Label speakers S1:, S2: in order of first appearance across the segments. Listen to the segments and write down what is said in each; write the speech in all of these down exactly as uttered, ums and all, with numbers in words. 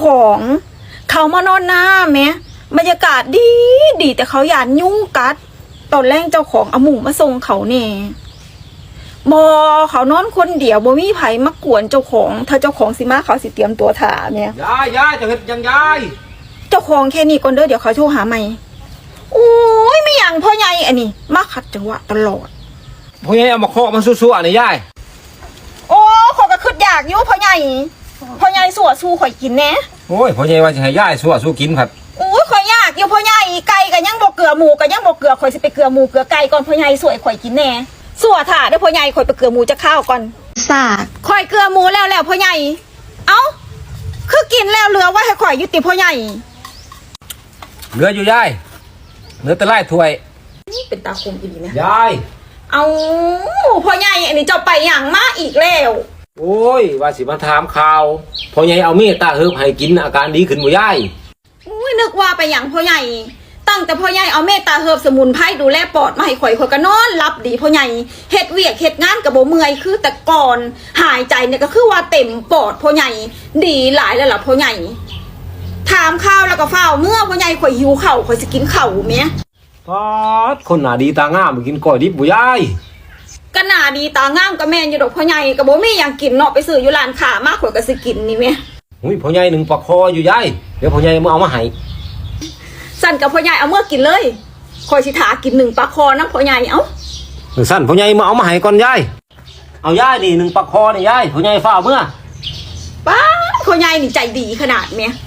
S1: ของเขามานอนหน้าแม้บรรยากาศดีดีแต่เขาหยาดยุ่งกัดตอนแรกเจ้าของเอาหมูมาส่งเขาเน่บอเขานอนคนเดียวบ่มีไผมากวนเจ้าของถ้าเจ้าของสิมาเขาสิเตรียมตัวถ่าเนี่ย
S2: ยายยายจะเห็นยังยาย
S1: เจ้าของแค่นี้ก่อนเด้อเดี๋ยวเขาโทรหาใหม่โอ้ยไม่อย่างพ่อใหญ่อันนี้มาขัดจังหวะตลอด
S2: พ่อใหญ่เอามาเคาะมันสู้ๆอันนี้ยาย
S1: โอ้ขอยก็คิดอยากอยู่พ่อใหญ่พ่อใหญ่สัวสู้ข่อยกินแน่
S2: โอ้ยพ่อใหญ่ว่าจะให้ยายสู้สู้กินครับ
S1: โอ้ยข่อยอยากอยู่พ่อใหญ่ไก่ก็ยังบ่เกลือหมูก็ยังบ่เกลือข่อยสิไปเกลือหมูเกลือไก่ก่อนพ่อใหญ่สวยข่อยกินแน่สัวถ่าเด้อพ่อใหญ่ข่อยไปเกลือหมูจะข้าวก่อนสากข่อยเกลือหมูแล้วแล้วพ่อใหญ่เอ้าคือกินแล้วเหลือไว้ให้ข่อยอยู่ติพ่อใหญ่
S2: เหลืออยู่ยายเหลือแต่ไล่ถ้วย
S1: นี่เป็นตาคมอีหลีนะ
S2: ยาย
S1: เอาพ่อใหญ่อันนี้เจ้าไปอย่างมาอีกแล้ว
S2: โอ้ยว่าสิมาถามข่าวพ่อใหญ่เอาเมตตาเฮิบให้กินอาการดีขึ้นบ่ยาย
S1: อุ้ยนึกว่าไปอย่างพ่อใหญ่ตั้งแต่พ่อใหญ่เอาเมตตาเฮิบสมุนไพรดูแลปอดมาให้ข่อยข่อยก็นอนรับดีพ่อใหญ่เฮ็ดเวียกเฮ็ดงานกับบ่เมื่อยคือแต่ก่อนหายใจเนี่ยก็คือว่าเต็มปอดพ่อใหญ่ดีหลายแล้วล่ะพ่อใหญ่ถามข้าวแล้วก็เฝ้าเมื่อพ่อใหญ่ข่อยหิวข้าวข่อยสิกินข้าวแม่
S2: พอดคนหน้าดีตางามไปกินก้อยดิบบ่ยาย
S1: ก็หน้าดีตางามก็แม่นอยู่ดอกพ่อใหญ่ก็บ่มีหยังกินเนาะไปซื้ออยู่ร้านค้ามากข่อยก็สิกินนี่แม่
S2: อุ้ยพ่อใหญ่หนึ่งปลาคออยู่ยายเดี๋ยวพ่อใหญ่มาเอามาให้
S1: สั่นกับพ่อใหญ่เอาเมื่อกินเลยข่อยสิถากินหนึ่งปลาคอน้ำพ่อใหญ่เอ้า
S2: สั่นพ่อใหญ่มาเอามาให้ก่อนยายเอายายนี่หนึ่งปลาคอนี่ยายพ่อใหญ่ฝ้าเมื่อ
S1: ป้าพ่อใหญ่นี่ใจดีขนาดเนี้ย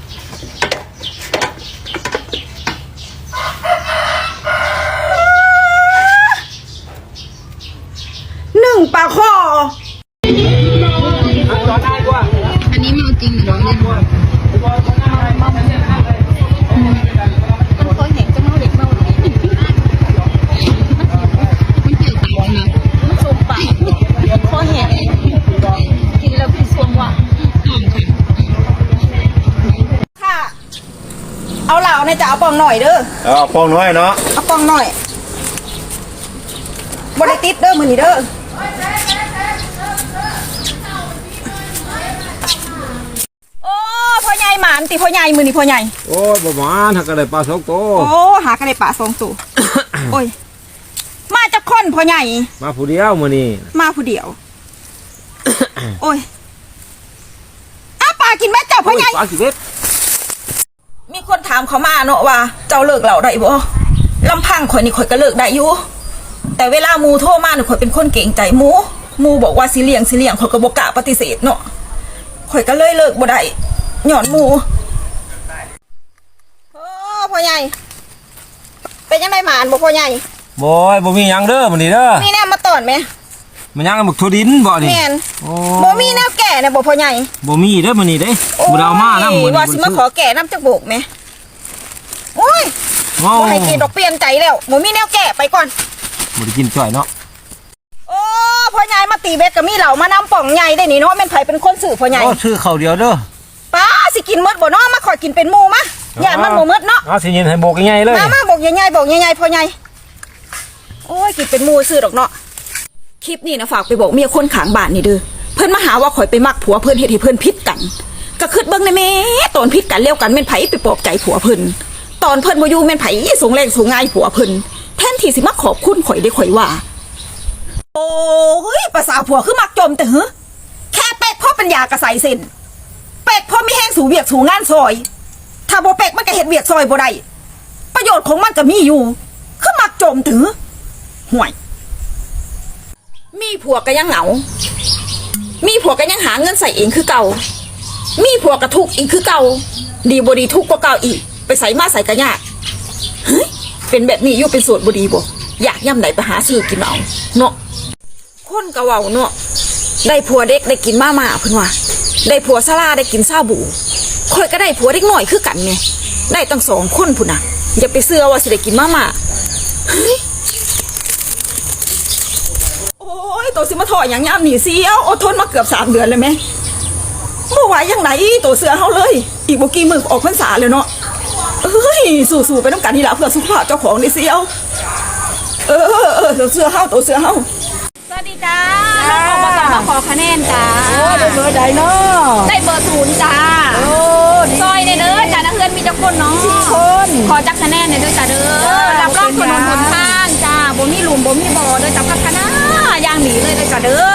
S1: หนึ่งปลาคอ
S3: อันนี้เมาจริงหรือเล่นวะมันคอยแหงจะเมาเด็กเมาหรือมันเกี่ยวกับนะ
S1: มันสมปากคอแหงกินแล้วพี่สวงว่ะค่ะเอาเหล่าในจะเอาปองหน่อยเด้อ
S2: เอาปองน้อยเนาะ
S1: เอาปองหน่อยบริติดเด้อมือนี่เด้อโอ้พ่อใหญ่หมานติพ่อใหญ่มือนี่พ่อใหญ่
S2: โอ้ยบ่หมานหากระไดปลาสองตัว
S1: โอ้หากระไดปลาสองตัวโอ้ยมาจากคนพ่อใหญ่
S2: มาผู้เดียวมือนี่
S1: มาผู้เดียวโอ้ยอ้าปลากินแม่เจ้าพ่อใหญ่
S2: ปลาสิเบ็ด
S1: มีคนถามเขามาเนาะว่าเจ้าเลิกเหล่าได้บ่ลำพังข่อยนี่ข่อยก็เลิกได้อยู่แต่เวลามูโทรมาหนูข่อยเป็นคนเก่งใจมูมูบอกว่าสิเลี้ยงสิเลี้ยงข่อยก็บ่กล้าปฏิเสธเนาะข่อยก็เลยเลิกบ่ได้หย่อนมูโอ้พ่อใหญ่เป็นยังไงหมานบ่พ่อใหญ่
S2: บ่ยบ่มีหยังเด้อมื้อนี้เด้อ
S1: มีแนวมาตอนไหม
S2: มันยังหมึกถั่วดินบ่นี่
S1: แม่นบ่มีแนวแก่นะบ่พ่อใหญ่
S2: บ่มีเด้อมื้อนี้เด้บ่ได้เอามานำมื้อนี้
S1: ว่าสิมาขอแก่นำจักโบกแม่โอ้ยบ่ให้กินดอกเปลี่ยนใจแล้วบ่มีแนวแก่ไปก่อน
S2: บ่ได้กินจ่อยเนาะ
S1: โอ้พ่อใหญ่มาตีเบ็ดก็มีเหล่ามานำป่องใหญ่ได้นี่เนาะแม่นไผเป็นคนซื้อพ่อใหญ่
S2: โอ้ซื้อข้าวเดียวเด้อ
S1: ป้าสิกินหมดบ่เนาะมาขอกินเป็นหมู่มะย่านมันบ่หมดเนาะ
S2: เอาสิยินให้โบกใหญ่เลย
S1: มามาโบกใหญ่ๆโบกใหญ่ๆพ่อใหญ่โอ้ยกินเป็นหมู่ซื้อดอกเนาะคลิปนี้นะฝากไปบอกเมียคนข้างบ้านนี่เด้อเพิ่นมาหาว่าข่อยไปมักผัวเพิ่นเฮ็ดให้เพิ่นผิดกันก็คิดเบิ่งได้แม่ตอนผิดกันแล้วกันแม่นไผไปปลอบใจผัวเพิ่นตอนเพิ่นบ่อยู่แม่นไผส่งแรงส่งง่ายผัวเพิ่นแทนที่สิมาขอบคุณข่อยได้ข่อยว่าโอ้ยภาษาผัวคือมักจมแต่เหอะแค่เป็กพ่อปัญญากระใสเส้นเป็กพ่อมีแห้งสู่เวียกสู่งานซอยถ้าบ่เป็กมันก็เฮ็ดเวียกซอยบ่ได้ประโยชน์ของมันก็มีอยู่คือมักจมถือห่วยมีผัวก็ยังเหงามีผัวก็ยังหาเงินใส่เองคือเก่ามีผัวก็ทุกข์อีกคือเก่าดีบ่ดีทุกข์กว่าเก่าอีกไปใส่มาใส่กระยากเฮ้ยเป็นแบบนี้อยู่เป็นโสดบ่ดีบ่อยากย่ำไหนไปหาซื้อกินเอาเนาะคนกะเว้าเนาะได้ผัวเด็กได้กินมาม่าเพิ่นว่าได้ผัวซาลาได้กินซาบูข่อยก็ได้ผัวเด็กน้อยคือกันไงได้ตั้งสองคนพุ่นน่ะอย่าไปเชื่อว่าสิได้กินมาม่าเฮ้ยโอ้ยตัวสิมาถอยอย่างยามหนีเสียวอดทนมาเกือบสามเดือนเลยไหมเมื่อไหวยังไหนตัวเสือเฮาเลยอีกบ่กี่มื้อออกพรรษาเลยเนาะเอ้ยสู้ๆไปน้ำกันนี่ละเพื่อสุขภาพเจ้าของนี่เสียวเออเออตัวเสือเฮาตัวเสือเฮาสวัสดีจ้าน้องออกมาจากมาขอคะแนนจ้า
S3: โอ้ได้เบอร์ใดเนาะ
S1: ได้เบอร์ศูนย์จ้า
S3: โอ้
S1: ซอย
S3: ขอจักคะแนนเนี่ยด้วยจ้าเด้อรับรองถนนหนทางจ้าบ่มีหลุมบ่มีบ่อเด้อจ้าพัฒนาอย่างหนีเลยเด้อจ้าเด้อ